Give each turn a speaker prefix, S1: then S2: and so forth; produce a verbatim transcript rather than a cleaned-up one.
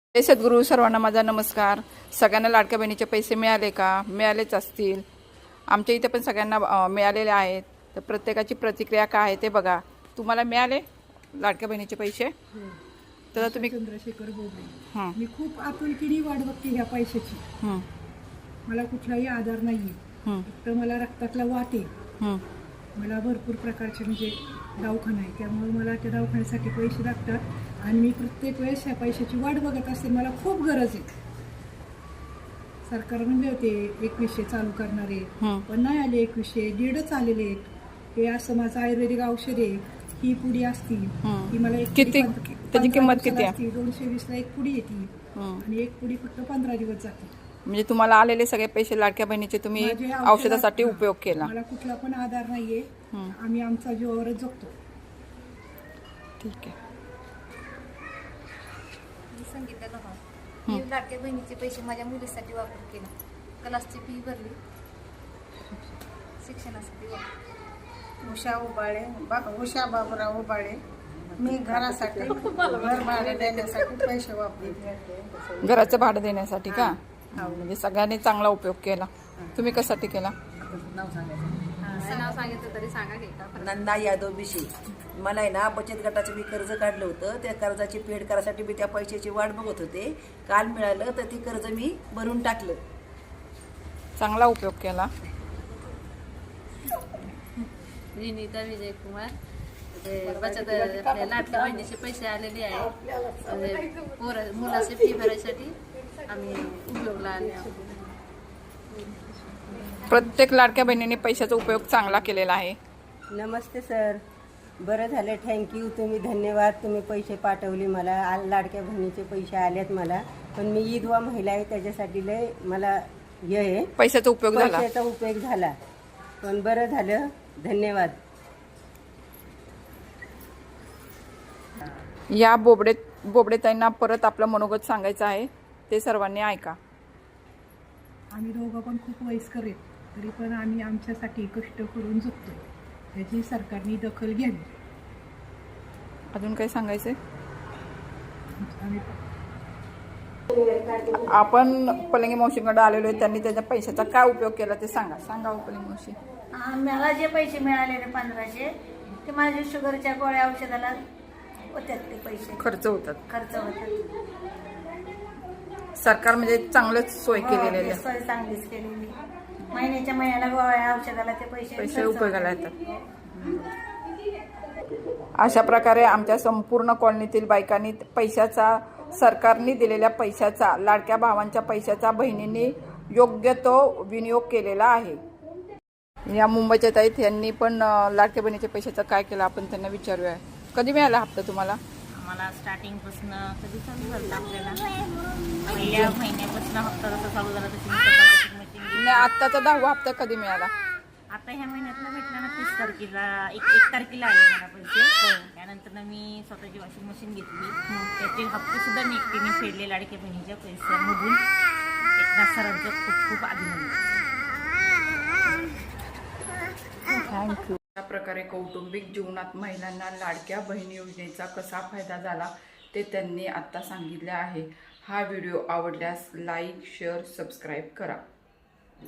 S1: जय सद्गुरू. सर्वांना माझा नमस्कार. सगळ्यांना लाडक्या बहिणीचे पैसे मिळाले का? मिळालेच असतील. आमच्या इथे पण सगळ्यांना मिळालेले आहेत. तर प्रत्येकाची प्रतिक्रिया काय आहे ते बघा. तुम्हाला मिळाले लाडक्या बहिणीचे पैसे? तर तुम्ही
S2: चंद्रशेखर बोबडे. मी खूप आपुलकीने वाट बघते ह्या पैशाची. मला कुठलाही आधार नाहीये, फक्त मला रक्तातला वाट आहे. मला भरपूर प्रकारचे म्हणजे दवाखाना आहे, त्यामुळे मला त्या दवाखान्यासाठी पैसे लागतात आणि मी प्रत्येक वेळेस ह्या पैशाची वाट बघत असते. मला खूप गरज आहे. सरकारने मिळते एकवीसशे चालू करणारे, पण नाही आले एकवीसशे, दीडच आलेले आहेत. हे असं माझं आयुर्वेदिक औषध आहे. ही पुडी असती ती मला एक
S1: किती त्याची किंमत किती आहे?
S2: दोनशे वीस ला एक पुडी येते आणि एक पुडी फक्त पंधरा दिवस जाते.
S1: म्हणजे तुम्हाला आलेले सगळे पैसे लाडक्या बहिणीचे तुम्ही औषधासाठी उपयोग केला?
S2: मला कुठला पण आधार नाहीये. आम्ही आमचा जीवावरच जगतो.
S1: ठीक आहे.
S3: मी संगीता गव्हाण. मी लाडक्या बहिणीचे पैसे माझ्या मुलीसाठी वापर केला. क्लासची फी भरली, शिक्षणासाठी वापर.
S4: उषा उबाळे, उषा बाबूराव उबाळे. मी घरासाठी घर भाडे देण्यासाठी पैसे वापरले.
S1: घराचं भाडं देण्यासाठी का? म्हणजे सगळ्यांनी चांगला उपयोग केला. तुम्ही कशासाठी केला?
S3: नाव सांगितलं तरी सांगा की का?
S5: नंदा यादव बिशी. मला आहे ना बचत गटाचं मी कर्ज काढलं होतं. त्या कर्जाची पेड करायसाठी मी त्या पैशाची वाट बघत होते. काल मिळालं तर ती कर्ज मी भरून टाकलं.
S1: चांगला उपयोग केला.
S3: विनीता विजय कुमार. ते बचत आपल्या लाडक्या बहिणीचे पैसे आलेले आहेत. पोर मुलाची फी भरायसाठी आम्ही उपयोगला आले आहोत.
S1: प्रत्येक लाडक्या बहिणीने पैशाचा उपयोग चांगला केलेला आहे.
S6: नमस्ते सर. बरं झालं, थँक्यू. तुम्ही धन्यवाद. तुम्ही पैसे पाठवले मला. आ लाडक्या बहिणीचे पैसे आलेत मला. पण मी विधवा महिला आहे, त्याच्यासाठी लय मला हे आहे,
S1: पैशाचा उपयोग झाला.
S6: पैशाचा उपयोग झाला. पण बरं झालं, धन्यवाद.
S1: या बोबडे बोबडेताईंना परत आपलं मनोगत सांगायचं आहे, ते सर्वांनी ऐका.
S2: आम्ही दोघं पण खूप वयस्कर आहेत, तरी पण आम्ही आमच्यासाठी कष्ट करून जगतो. त्याची सरकारने दखल घ्यावी.
S1: अजून काही सांगायचंय?
S2: आम्ही
S1: आपण पलंगी मावशीकडे आलेलो आहे, त्यांनी त्याच्या पैशाचा काय उपयोग केला ते सांगा. सांगा पलंगी मावशी.
S7: मला जे पैसे मिळालेले पंधराशे, ते माझ्या शुगरच्या गोळ्या औषधाला होत्यात. ते पैसे
S1: खर्च होतात.
S7: खर्च होतात. सरकार
S1: म्हणजे चांगलंच सोय केलेली आहे.
S7: सोय चांगलीच केलेली. महिन्याच्या महिन्याला गोळ्या औषधाला ते पैसे
S1: पैसे उपयोगाला येतात. अशा प्रकारे आमच्या संपूर्ण कॉलनीतील बायकांनी पैशाचा, सरकारने दिलेल्या पैशाचा, लाडक्या भावांच्या पैशाचा बहिणींनी योग्य तो विनियोग केलेला आहे. या मुंबईच्या ताईत यांनी पण लाडक्या बहिणीच्या पैशाचा काय केला आपण त्यांना विचारूया. कधी मिळाला हप्ता तुम्हाला?
S8: आम्हाला स्टार्टिंगपासून कधी चालू झालं आपल्याला पहिल्या महिन्यापासून हप्ता जसा चालू झाला तशी वॉशिंग मशीन.
S1: आत्ताचा दहावा हप्ता कधी मिळाला?
S8: आता ह्या महिन्यातला भेटला ना, तीस तारखेला एक एक तारखेला आले मला पैसे. त्यानंतर मी स्वतःची वॉशिंग मशीन घेतली. त्याचे हप्ते सुद्धा मी एकटीने फेडले लाडक्या बहिणीच्या पैशामधून. एकनाथ सरांचं खूप खूप अभिनंदन.
S1: थँक्यू. अशा प्रकारे कौटुंबिक जीवनात महिलांना लाडक्या बहिणी योजनेचा कसा फायदा झाला ते त्यांनी आत्ता सांगितले आहे. हा व्हिडिओ आवडल्यास लाईक, शेअर, सबस्क्राईब करा.